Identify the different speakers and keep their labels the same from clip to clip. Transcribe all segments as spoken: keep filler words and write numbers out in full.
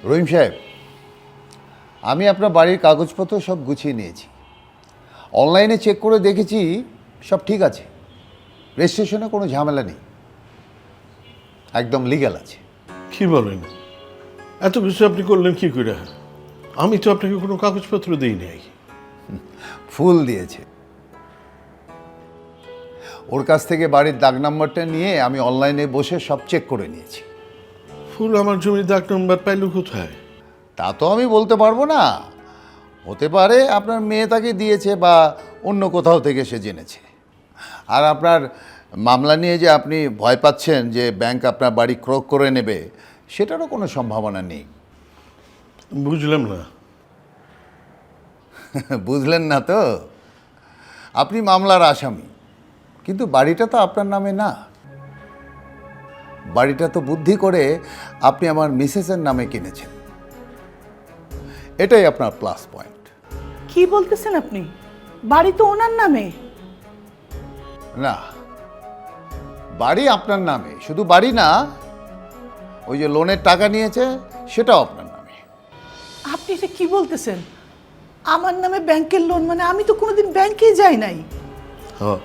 Speaker 1: রহিম সাহেব, আমি আপনার বাড়ির কাগজপত্র সব গুছিয়ে নিয়েছি। অনলাইনে চেক করে দেখেছি সব ঠিক আছে। রেজিস্ট্রেশনে কোনো ঝামেলা নেই, একদম লিগ্যাল আছে।
Speaker 2: কি বলেন? এত কিছু আপনি করলেন কি করে? আমি তো আপনাকে কোনো কাগজপত্র দিই নাই।
Speaker 1: ফুল দিয়েছে। ওর কাছ থেকে বাড়ির দাগ নাম্বারটা নিয়ে আমি অনলাইনে বসে সব চেক করে নিয়েছি।
Speaker 2: ফুল আমার জমির দাগ নম্বর পাইল কোথায়?
Speaker 1: তা তো আমি বলতে পারবো না। হতে পারে আপনার মেয়ে তাকে দিয়েছে বা অন্য কোথাও থেকে সে জেনেছে। আর আপনার মামলা নিয়ে যে আপনি ভয় পাচ্ছেন যে ব্যাংক আপনার বাড়ি ক্রোক করে নেবে, সেটারও কোনো সম্ভাবনা নেই।
Speaker 2: বুঝলাম না।
Speaker 1: বুঝলেন না তো? আপনি মামলার আসামি, কিন্তু বাড়িটা তো আপনার নামে না। বাড়িটা তো বুদ্ধি করে আপনি আমার মিসেসের নামে কিনেছেন। এটাই আপনার প্লাস পয়েন্ট।
Speaker 3: কি বলতেছেন আপনি? বাড়ি তো ওনার নামে।
Speaker 1: না, বাড়ি আপনার নামে, শুধু বাড়ি না, ওই যে লোনের টাকা নিয়েছে সেটাও আপনার নামে।
Speaker 3: আপনি এটা কি বলতেছেন? আমার নামে ব্যাংকের লোন? মানে আমি তো কোনোদিন ব্যাংকেই যাই নাই।
Speaker 2: হ্যাঁ,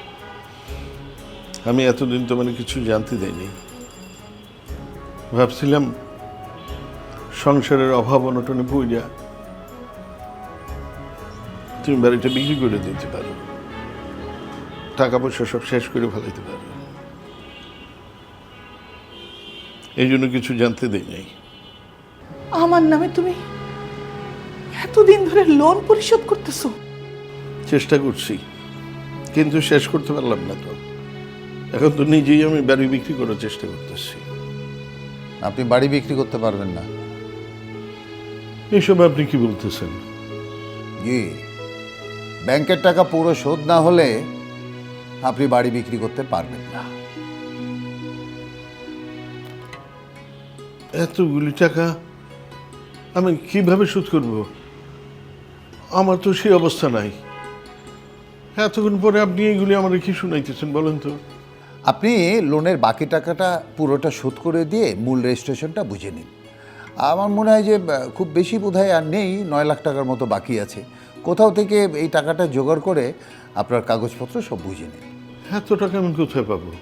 Speaker 2: আমি এতদিন তো মানে কিছু জানতে দেয়নি। ভাবছিলাম সংসারের অভাব অনটনে পড়িয়া তুমি বাড়িটা বিক্রি করে দিতে পারো, টাকা পয়সা সব শেষ করে ফেলাইতে পারো। এই জন্য কিছু জানতে দেই নাই।
Speaker 3: আমার নামে তুমি এতদিন ধরে লোন পরিশোধ করতেছো?
Speaker 2: চেষ্টা করছি, কিন্তু শেষ করতে পারলাম না। তো এখন তো নিজেই আমি বাড়ি বিক্রি করার চেষ্টা করতেছি।
Speaker 1: আপনি বাড়ি বিক্রি করতে পারবেন না।
Speaker 2: এইসব আপনি কি বলতেছেন?
Speaker 1: জি, ব্যাংকের টাকা পুরো শোধ না হলে আপনি বাড়ি বিক্রি করতে পারবেন না।
Speaker 2: এতগুলি টাকা আমি কিভাবে শোধ করব? আমার তো সেই অবস্থা নাই। এতক্ষণ পরে আপনি এইগুলি আমার কি শুনাইতেছেন বলেন তো?
Speaker 1: আপনি লোনের বাকি টাকাটা পুরোটা শোধ করে দিয়ে মূল রেজিস্ট্রেশনটা বুঝে নিন। আমার মনে হয় যে আহ, খুব বেশি বোধহয় আর নেই, নয় লাখ টাকার মতো বাকি আছে। কোথাও থেকে এই টাকাটা জোগাড় করে আপনার কাগজপত্র সব বুঝে নিন।
Speaker 2: এত টাকা আমি কোথায় পাবো?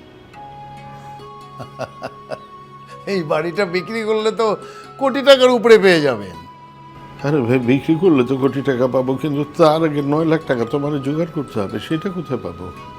Speaker 1: এই বাড়িটা বিক্রি করলে তো কোটি টাকার উপরে পেয়ে যাবেন।
Speaker 2: আরে ভাই, বিক্রি করলে তো কোটি টাকা পাবো, কিন্তু তার আগে নয় লাখ টাকা তো মানে জোগাড় করতে হবে। সেটা কোথায় পাবো?